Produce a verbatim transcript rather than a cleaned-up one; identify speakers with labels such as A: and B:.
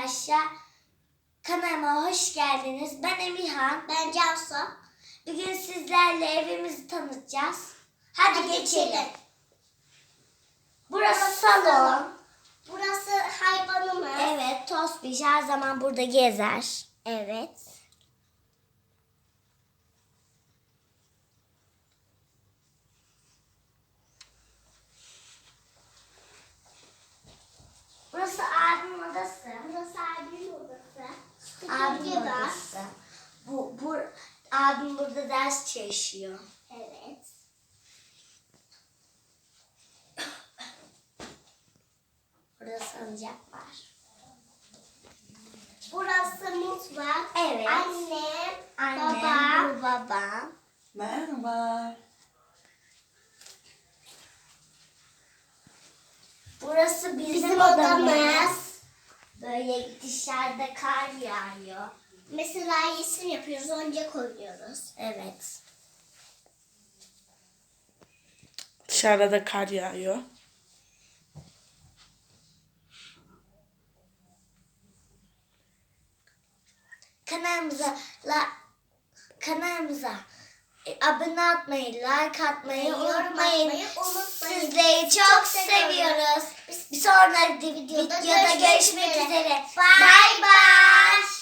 A: arkadaşlar. Kanalıma hoş geldiniz. Ben Emirhan.
B: Ben Cansu.
A: Bugün sizlerle evimizi tanıtacağız. Hadi,
B: Hadi
A: geçelim.
B: geçelim.
A: Burası
B: Burası
A: salon.
B: salon. Burası hayvanımız.
A: Evet, Tosbiş her zaman burada gezer.
B: Evet.
A: Burası abimin odası.
B: Burası abimin odası.
A: Abimin
B: Stüdyo var.
A: odası. Bu, bu, abim burada ders çalışıyor.
B: Evet.
A: Burada salıncak var.
B: Burası mutfak.
A: Evet.
B: Annem,
A: Annem,
B: babam.
A: bu babam.
C: Merhaba.
A: Burası bizim,
B: Bizim
A: odamız.
B: odamız.
A: Böyle dışarıda kar yağıyor.
B: Mesela resim yapıyoruz, oyuncak koyuyoruz.
A: Evet.
C: Dışarıda da kar yağıyor.
A: Kanalımıza la, kanalımıza e, abone olmayı, like atmayı
B: Yorum
A: unutmayın.
B: atmayı unutmayın.
A: Sizleri çok,
B: Çok
A: seviyoruz.
B: seviyoruz.
A: Bir sonraki videoda,
B: Videoda
A: görüşmek
B: görüşmek
A: üzere.
B: üzere.
A: Bye bye.